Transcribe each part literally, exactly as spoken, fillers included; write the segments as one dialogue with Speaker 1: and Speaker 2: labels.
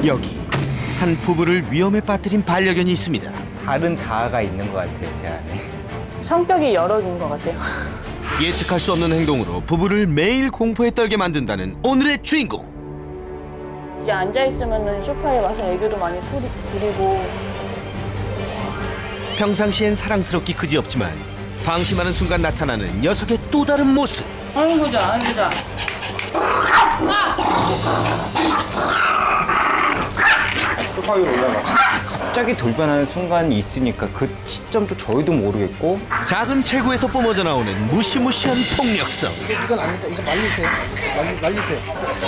Speaker 1: 여기 한 부부를 위험에 빠뜨린 반려견이 있습니다.
Speaker 2: 다른 자아가 있는 것 같아요, 제 안에.
Speaker 3: 성격이 여러 개인 것 같아요.
Speaker 1: 예측할 수 없는 행동으로 부부를 매일 공포에 떨게 만든다는 오늘의 주인공.
Speaker 3: 이제 앉아있으면 소파에 와서 애교도 많이 부리, 부리고
Speaker 1: 평상시엔 사랑스럽기 그지없지만 방심하는 순간 나타나는 녀석의 또 다른 모습.
Speaker 3: 아이 보자, 아이 보자.
Speaker 2: 소파 위로 올라가. 갑자기 돌변하는 순간이 있으니까 그 시점도 저희도 모르겠고.
Speaker 1: 작은 체구에서 뿜어져 나오는 무시무시한 폭력성.
Speaker 4: 이건 아니다. 이거 말리세요. 말리, 말리세요.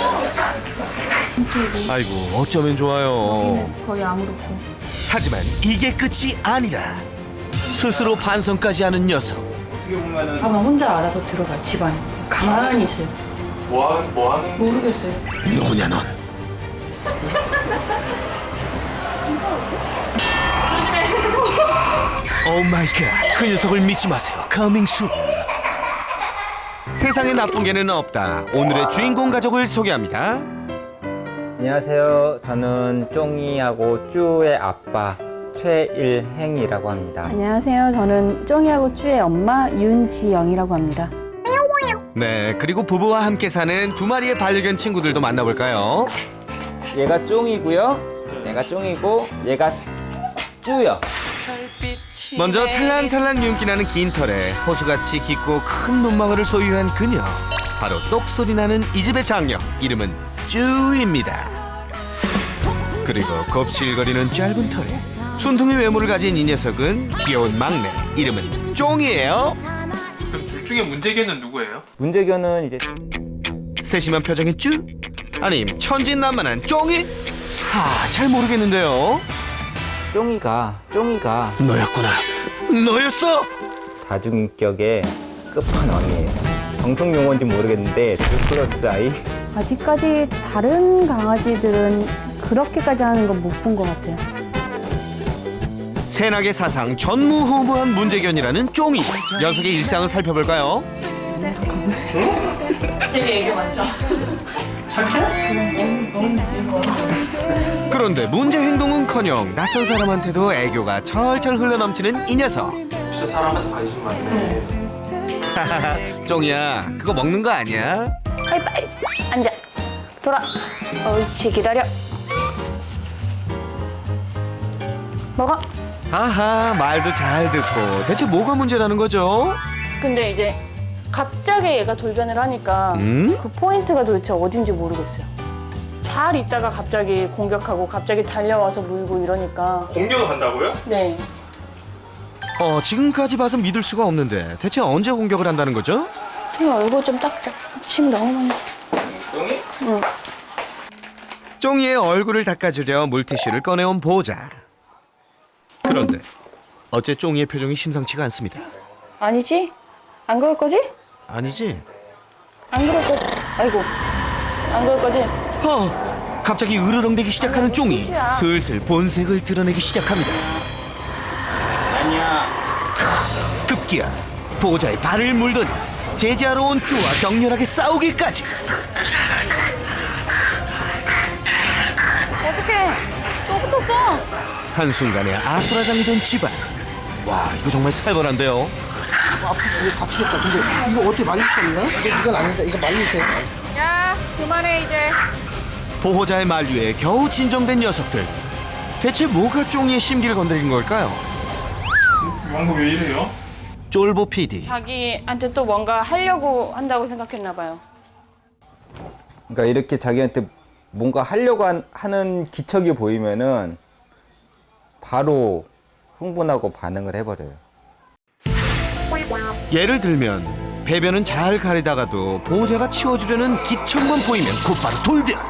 Speaker 1: 아이고 어쩌면 좋아요.
Speaker 3: 거의 아무렇고.
Speaker 1: 하지만 이게 끝이 아니다. 스스로 반성까지 하는 녀석.
Speaker 2: 어떻게 보면은
Speaker 3: 아마 혼자 알아서 들어가 집안에. 가만히 있어요.
Speaker 2: 뭐 하는 뭐 하는
Speaker 3: 모르겠어요.
Speaker 1: 누구냐 넌? 오 마이 갓. 그 녀석을 믿지 마세요. Coming soon. 세상에 나쁜 개는 없다. 오늘의 주인공 가족을 소개합니다.
Speaker 2: 안녕하세요. 저는 쫑이하고 쭈의 아빠 최일행이라고 합니다.
Speaker 5: 안녕하세요. 저는 쫑이하고 쭈의 엄마 윤지영이라고 합니다.
Speaker 1: 네, 그리고 부부와 함께 사는 두 마리의 반려견 친구들도 만나볼까요?
Speaker 2: 얘가 쫑이고요. 얘가 쫑이고 얘가 쭈요.
Speaker 1: 먼저 찰랑찰랑 윤기나는 긴 털에 호수같이 깊고 큰 눈망울을 소유한 그녀. 바로 똑소리 나는 이 집의 장녀. 이름은 쭈입니다. 그리고 곱실거리는 짧은 털에 순둥이 외모를 가진 이 녀석은 귀여운 막내. 이름은 쫑이에요.
Speaker 6: 그럼 둘 중에 문제개는 누구예요?
Speaker 2: 문제견은 이제
Speaker 1: 세심한 표정의 쭈? 아님 천진난만한 쫑이? 아, 잘 모르겠는데요.
Speaker 2: 쫑이가 쫑이가
Speaker 1: 너였구나. 너였어?
Speaker 2: 다중인격의 끝판왕이에요. 방송 용어인지 모르겠는데 둘 플러스 아이.
Speaker 5: 아직까지 다른 강아지들은 그렇게까지 하는 건 못 본 것 같아요.
Speaker 1: 새낙의 사상 전무후무한 문제견이라는 쫑이. 녀석의 일상을 살펴볼까요?
Speaker 3: 되게 애교 많죠?
Speaker 1: 그런데 문제 행동은커녕 낯선 사람한테도 애교가 철철 흘러넘치는 이 녀석.
Speaker 6: 진짜 사람한테 관심 많네.
Speaker 1: 쫑이야, 그거 먹는 거 아니야?
Speaker 3: 빨리 빨리 앉아. 돌아. 옳지, 기다려. 먹어.
Speaker 1: 아하, 말도 잘 듣고. 대체 뭐가 문제라는 거죠?
Speaker 3: 근데 이제 갑자기 얘가 돌변을 하니까
Speaker 1: 음?
Speaker 3: 그 포인트가 도대체 어딘지 모르겠어요. 잘 있다가 갑자기 공격하고 갑자기 달려와서 물고 이러니까.
Speaker 6: 공격을 한다고요?
Speaker 3: 네.
Speaker 1: 어, 지금까지 봐서 믿을 수가 없는데 대체 언제 공격을 한다는 거죠?
Speaker 3: 이거 얼굴 좀 닦자. 침 너무 많이.
Speaker 2: 쫑이?
Speaker 3: 응.
Speaker 1: 쫑이의 얼굴을 닦아주려 물티슈를 꺼내온 보호자. 그런데 어째 쫑이의 표정이 심상치가 않습니다.
Speaker 3: 아니지? 안 그럴 거지?
Speaker 1: 아니지?
Speaker 3: 안 그럴 거지? 아이고. 안 그럴 거지?
Speaker 1: 어, 갑자기 으르렁대기 시작하는 쫑이
Speaker 3: 끝이야.
Speaker 1: 슬슬 본색을 드러내기 시작합니다.
Speaker 2: 아니야.
Speaker 1: 급기야 보호자의 발을 물더니 제지하러 온 쭈와 격렬하게 싸우기까지.
Speaker 3: 어떡해. 또 붙었어.
Speaker 1: 한순간에 아수라장이 된 집안. 와, 이거 정말 살벌한데요.
Speaker 4: 앞으로 이거 다치겠다. 근데 이거 어떻게 말릴 수 없나? 이거, 이건 아니다. 이거 말리세요.
Speaker 3: 야, 그만해 이제.
Speaker 1: 보호자의 만류에 겨우 진정된 녀석들. 대체 뭐가 쫑이의 심기를 건드린 걸까요?
Speaker 6: 왕국 왜 이래요?
Speaker 1: 쫄보 피디.
Speaker 3: 자기한테 또 뭔가 하려고 한다고 생각했나 봐요.
Speaker 2: 그러니까 이렇게 자기한테 뭔가 하려고 한- 하는 기척이 보이면은 바로 흥분하고 반응을 해버려요.
Speaker 1: 예를 들면 배변은 잘 가리다가도 보호자가 치워주려는 기척만 보이면 곧바로 돌변.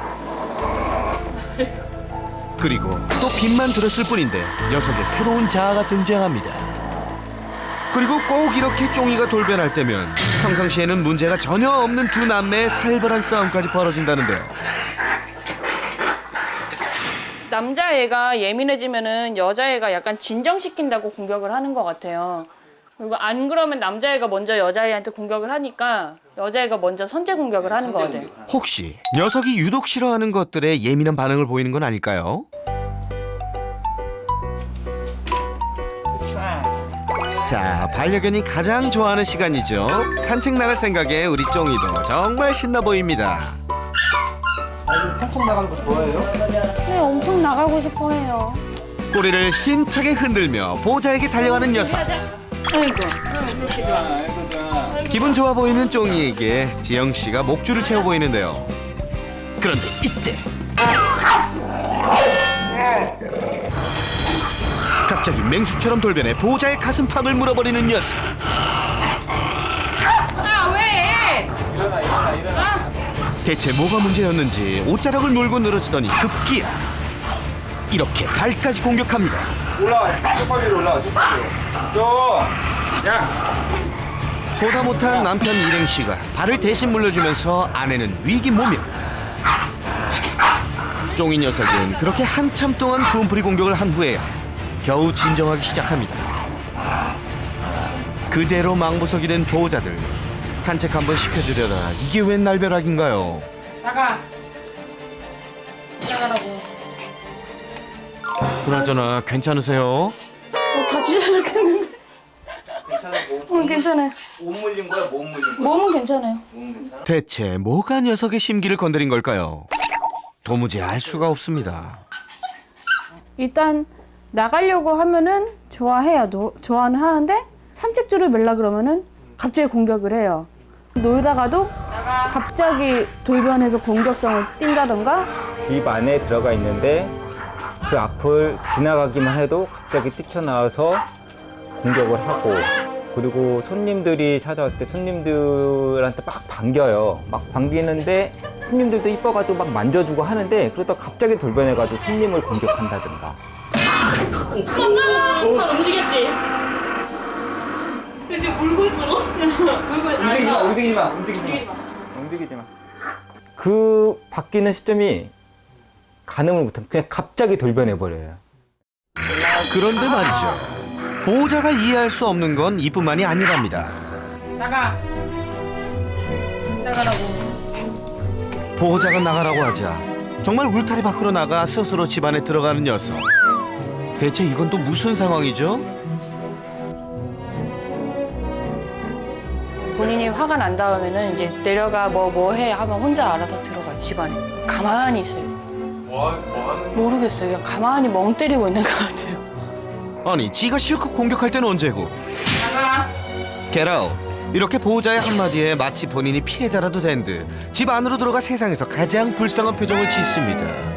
Speaker 1: 그리고 또 빛만 들었을 뿐인데 녀석의 새로운 자아가 등장합니다. 그리고 꼭 이렇게 쫑이가 돌변할 때면 평상시에는 문제가 전혀 없는 두 남매의 살벌한 싸움까지 벌어진다는데요.
Speaker 3: 남자애가 예민해지면은 여자애가 약간 진정시킨다고 공격을 하는 것 같아요. 그리고 안 그러면 남자애가 먼저 여자애한테 공격을 하니까 여자애가 먼저 선제 공격을 하는 거 같아요.
Speaker 1: 혹시 녀석이 유독 싫어하는 것들에 예민한 반응을 보이는 건 아닐까요? 자, 반려견이 가장 좋아하는 시간이죠. 산책 나갈 생각에 우리 쫑이도 정말 신나 보입니다.
Speaker 4: 아이들 산책 나가는 거 좋아해요?
Speaker 5: 네, 엄청 나가고 싶어 해요.
Speaker 1: 꼬리를 힘차게 흔들며 보호자에게 달려가는 녀석. 기분 좋아 보이는 쫑이에게 지영 씨가 목줄을 채워 보이는데요. 그런데 이때 갑자기 맹수처럼 돌변해 보호자의 가슴팍을 물어버리는 녀석.
Speaker 3: 아 왜?
Speaker 1: 대체 뭐가 문제였는지 옷자락을 물고 늘어지더니 급기야 이렇게 발까지 공격합니다.
Speaker 2: 올라와. 소파 위로 올라와. 소파 위로. 좀. 야.
Speaker 1: 보다 못한 남편 일행 씨가 발을 대신 물려주면서 아내는 위기 모멸. 쫑이 녀석은 그렇게 한참 동안 분풀이 공격을 한 후에야 겨우 진정하기 시작합니다. 그대로 망부석이 된 보호자들. 산책 한번 시켜주려다 이게 웬 날벼락인가요?
Speaker 3: 나가. 나가라고.
Speaker 1: 그나저나 괜찮으세요?
Speaker 5: 어, 다치지 않겠는데.
Speaker 2: 괜찮아.
Speaker 5: 응, 괜찮아요.
Speaker 2: 못 물린 거야? 못 물린 거야?
Speaker 5: 몸은 괜찮아요.
Speaker 1: 대체 뭐가 녀석의 심기를 건드린 걸까요? 도무지 알 수가 없습니다.
Speaker 5: 일단 나가려고 하면은 좋아해요. 노, 좋아는 하는데 산책줄을 멜라 그러면은 갑자기 공격을 해요. 놀다가도 갑자기 돌변해서 공격성을 띈다던가.
Speaker 2: 집 안에 들어가 있는데 그 앞을 지나가기만 해도 갑자기 뛰쳐나와서 공격을 하고, 그리고 손님들이 찾아왔을 때 손님들한테 막 반겨요. 막 반기는데 손님들도 이뻐가지고 막 만져주고 하는데 그러다 갑자기 돌변해가지고 손님을 공격한다든가.
Speaker 3: 아, 움직였지? 이제 물고 있어. 물고 있어.
Speaker 2: 움직이지 마, 움직이지 마, 움직이지 마. 움직이지 마. 그 바뀌는 시점이 가늠을 못한, 그냥 갑자기 돌변해버려요.
Speaker 1: 그런데 말이죠. 보호자가 이해할 수 없는 건 이뿐만이 아니랍니다.
Speaker 3: 나가. 나가라고.
Speaker 1: 보호자가 나가라고 하자 정말 울타리 밖으로 나가 스스로 집안에 들어가는 녀석. 대체 이건 또 무슨 상황이죠?
Speaker 3: 본인이 화가 난 다음에는 이제 내려가 뭐 뭐 해 하면 혼자 알아서 들어가 집안에. 가만히 있어요.
Speaker 6: 뭐, 뭐 하는
Speaker 3: 모르겠어요. 그냥 가만히 멍 때리고 있는 것 같아요.
Speaker 1: 아니 지가 실컷 공격할 때는 언제고?
Speaker 3: 나가.
Speaker 1: Get out. 이렇게 보호자의 한마디에 마치 본인이 피해자라도 된 듯 집 안으로 들어가 세상에서 가장 불쌍한 표정을 짓습니다.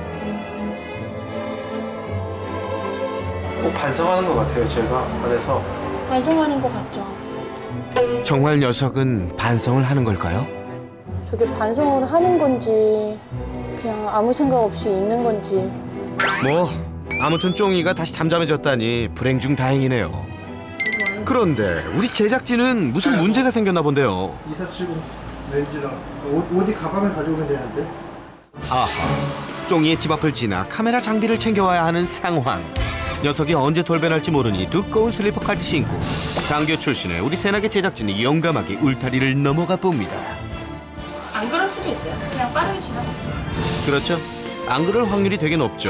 Speaker 6: 꼭 반성하는 것 같아요, 제가. 그래서
Speaker 3: 반성하는 것 같죠.
Speaker 1: 정말 녀석은 반성을 하는 걸까요?
Speaker 3: 저게 반성을 하는 건지 그냥 아무 생각 없이 있는 건지.
Speaker 1: 뭐 아무튼 쫑이가 다시 잠잠해졌다니 불행 중 다행이네요. 그런데 우리 제작진은 무슨 문제가 생겼나 본데요.
Speaker 4: 이사치고 렌즈랑 옷, 어디 가방을 가져오면 되는데.
Speaker 1: 아하, 쫑이의 집 앞을 지나 카메라 장비를 챙겨와야 하는 상황. 녀석이 언제 돌변할지 모르니 두꺼운 슬리퍼까지 신고 장교 출신의 우리 새나게 제작진이 용감하게 울타리를 넘어가 봅니다.
Speaker 3: 안 그럴 수도 있어요. 그냥 빠르게 지나.
Speaker 1: 그렇죠? 안 그럴 확률이 되게 높죠.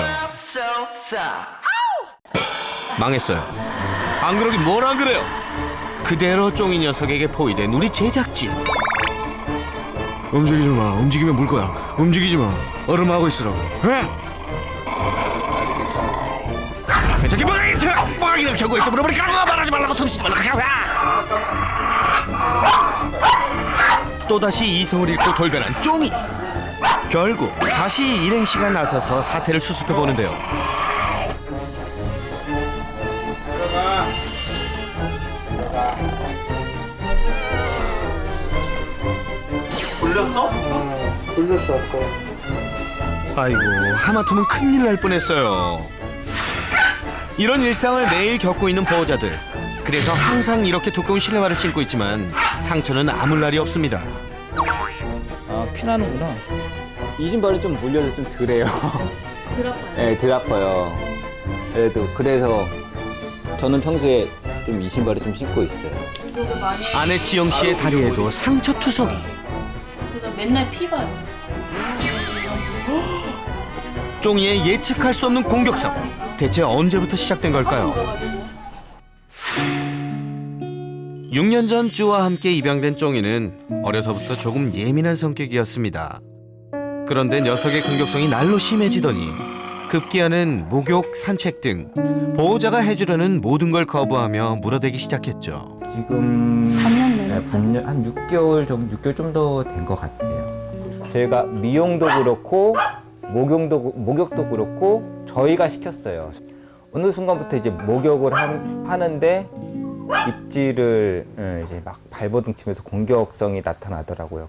Speaker 1: 망했어요. 안 그러긴 뭘 안 그래요. 그대로 쫑이 녀석에게 포위된 우리 제작진. 움직이지 마. 움직이면 물 거야. 움직이지 마. 얼음하고 있으라고. 에? 저기 뭐가 있어? 뭐가 이걸 결국에 좀 물어보니까 말하지 말라고 숨쉬지 말라고. 또다시 이성을 잃고 돌변한 쫑이. 결국 다시 일행 씨가 나서서 사태를 수습해 보는데요.
Speaker 6: 돌렸어?
Speaker 4: 돌렸어 아까.
Speaker 1: 아이고 하마터면 큰일 날 뻔했어요. 이런 일상을 매일 겪고 있는 보호자들. 그래서 항상 이렇게 두꺼운 실내화를 신고 있지만 상처는 아물 날이 없습니다.
Speaker 2: 아, 피나는구나. 이 신발이 좀 물려서 좀 덜해요.
Speaker 3: 덜 아파요.
Speaker 2: 네, 덜 아파요. 그래도 그래서 저는 평소에 좀 이 신발을 좀 신고 있어요.
Speaker 1: 아내 지영 씨의 다리에도 상처 투성이.
Speaker 3: 그래서 맨날 피가요.
Speaker 1: 쫑이의 예측할 수 없는 공격성. 대체 언제부터 시작된 걸까요? 육 년 전 쭈와 함께 입양된 쫑이는 어려서부터 조금 예민한 성격이었습니다. 그런데 녀석의 공격성이 날로 심해지더니 급기야는 목욕, 산책 등 보호자가 해주려는 모든 걸 거부하며 물어대기 시작했죠.
Speaker 2: 지금
Speaker 5: 반년
Speaker 2: 네,
Speaker 5: 내렸죠?
Speaker 2: 반년 한 육 개월 정도, 육 개월 좀 더 된 것 같아요. 저희가 미용도 그렇고 목욕도 목욕도 그렇고 저희가 시켰어요. 어느 순간부터 이제 목욕을 한- 하는데 입질을 예, 이제 막 발버둥치면서 공격성이 나타나더라고요.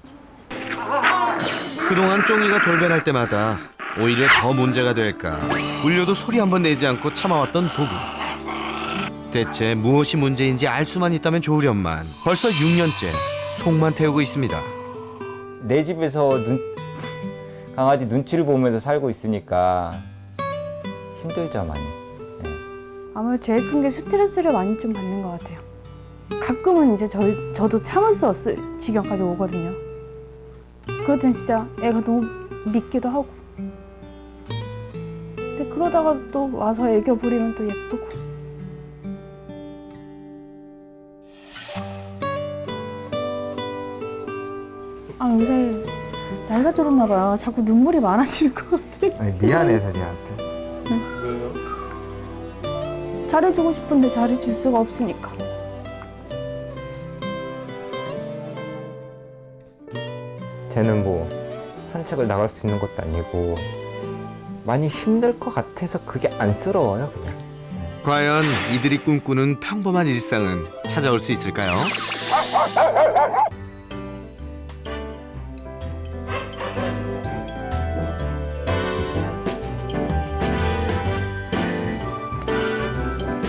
Speaker 1: 그동안 쫑이가 돌변할 때마다 오히려 더 문제가 될까 울려도 소리 한번 내지 않고 참아왔던 도구. 대체 무엇이 문제인지 알 수만 있다면 좋으련만 벌써 육 년째 속만 태우고 있습니다.
Speaker 2: 내 집에서 눈, 강아지 눈치를 보면서 살고 있으니까 힘들죠 많이.
Speaker 5: 아무래도 제일 큰 게 스트레스를 많이 좀 받는 것 같아요. 가끔은 이제 저희, 저도 참을 수 없을 지경까지 오거든요. 그럴 땐 진짜 애가 너무 밉기도 하고. 근데 그러다가 또 와서 애교 부리면 또 예쁘고. 아 요새 나이가 들었나 봐요. 자꾸 눈물이 많아지는 것 같아.
Speaker 2: 아니, 미안해서 쟤한테.
Speaker 6: 왜요?
Speaker 5: 잘해주고 싶은데 잘해줄 수가 없으니까.
Speaker 2: 쟤는 뭐 산책을 나갈 수 있는 것도 아니고 많이 힘들 것 같아서 그게 안쓰러워요 그냥.
Speaker 1: 과연 이들이 꿈꾸는 평범한 일상은 찾아올 수 있을까요?